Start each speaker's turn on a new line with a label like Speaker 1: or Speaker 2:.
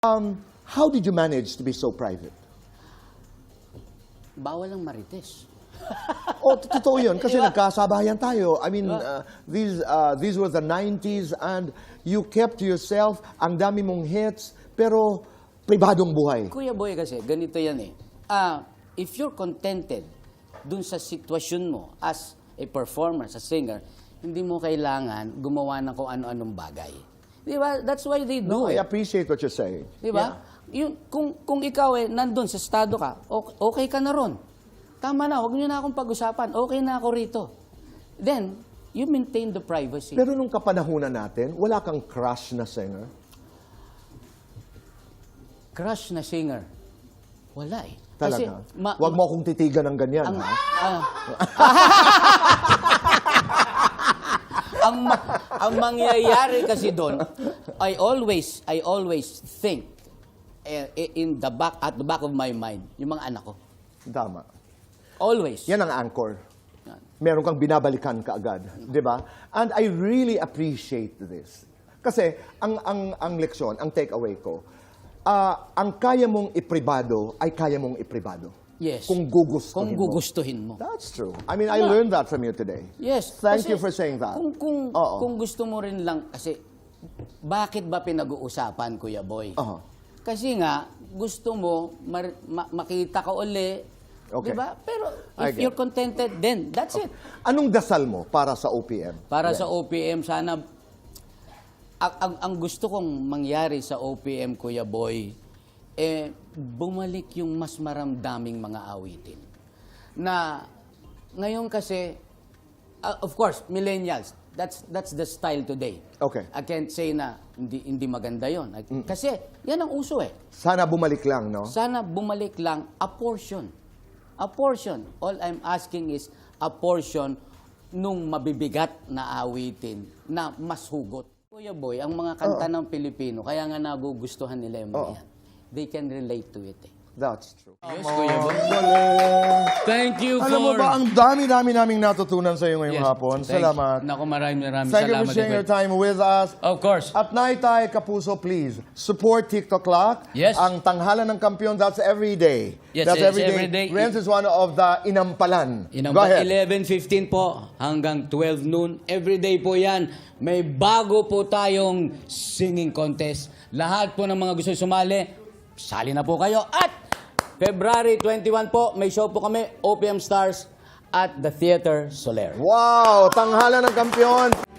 Speaker 1: How did you manage to be so private?
Speaker 2: Bawal ang marites.
Speaker 1: Oh, totoo yun. Kasi nagkasabayan tayo. I mean, these were the 90s and you kept to yourself. Ang dami mong hits, pero pribadong buhay.
Speaker 2: Kuya Boy kasi, ganito yan eh. If you're contented dun sa sitwasyon mo as a performer, as a singer, hindi mo kailangan gumawa ng kung ano-anong bagay. Di ba? That's why they do
Speaker 1: No, I
Speaker 2: it.
Speaker 1: appreciate what you're saying.
Speaker 2: Di ba? Yun, kung ikaw nandun sa estado ka, okay ka na ron. Tama na, huwag niyo na akong pag-usapan. Okay na ako rito. Then, you maintain the privacy.
Speaker 1: Pero nung kapanahunan natin, wala kang crush na singer?
Speaker 2: Crush na singer. Wala eh.
Speaker 1: Talaga? Huwag mo akong titigan ng ganyan, ha?
Speaker 2: Ang mangyayari kasi doon, I always think at the back of my mind, yung mga anak ko.
Speaker 1: Tama.
Speaker 2: Always.
Speaker 1: Yan ang anchor. Meron kang binabalikan kaagad, di ba? And I really appreciate this. Kasi ang leksyon, ang takeaway ko, ang kaya mong ipribado ay kaya mong ipribado.
Speaker 2: Yes.
Speaker 1: Kung gugustuhin
Speaker 2: Kung gugustuhin mo.
Speaker 1: That's true. I mean, I learned that from you today.
Speaker 2: Yes.
Speaker 1: Thank
Speaker 2: kasi
Speaker 1: you for saying that.
Speaker 2: Kung gusto mo rin lang, kasi bakit ba pinag-uusapan, Kuya Boy? Kasi nga, gusto mo makita ka uli,
Speaker 1: Okay.
Speaker 2: di ba? Pero if you're contented, then that's it.
Speaker 1: Anong dasal mo para sa OPM?
Speaker 2: Para sa OPM, sana, ang gusto kong mangyari sa OPM, Kuya Boy, bumalik yung mas maramdaming mga awitin. Na ngayon kasi, of course, millennials, that's the style today.
Speaker 1: Okay.
Speaker 2: I can't say na hindi maganda yon. Kasi yan ang uso eh.
Speaker 1: Sana bumalik lang, no?
Speaker 2: Sana bumalik lang a portion. A portion. All I'm asking is a portion nung mabibigat na awitin na mas hugot. Kuya Boy, ang mga kanta ng Pilipino, kaya nga nagugustuhan nila yung mga yan. They can relate to it eh.
Speaker 1: That's true.
Speaker 2: Yes, Kuya Boy.
Speaker 1: Galing.
Speaker 2: Thank you for...
Speaker 1: Alam mo ba, ang dami-dami naming natutunan sa iyo ngayong hapon.
Speaker 2: Thank-
Speaker 1: Salamat.
Speaker 2: Naku, maraming
Speaker 1: Thank you
Speaker 2: salamat.
Speaker 1: for sharing your
Speaker 2: Kuya.
Speaker 1: time with us.
Speaker 2: Of course.
Speaker 1: At Naitay Kapuso, please, support TikTok Clock.
Speaker 2: Yes.
Speaker 1: Ang tanghalan ng kampiyon, that's every day.
Speaker 2: Yes,
Speaker 1: That's
Speaker 2: it's
Speaker 1: every day.
Speaker 2: every day.
Speaker 1: Renz is one of the inampalan. Go ahead.
Speaker 2: 11:15 po hanggang 12 noon. Everyday po yan. May bago po tayong singing contest. Lahat po ng mga gusto sumali, sali na po kayo. At February 21 po, may show po kami, OPM Stars at the Theater Soler.
Speaker 1: Wow, tanghalan ng kampiyon.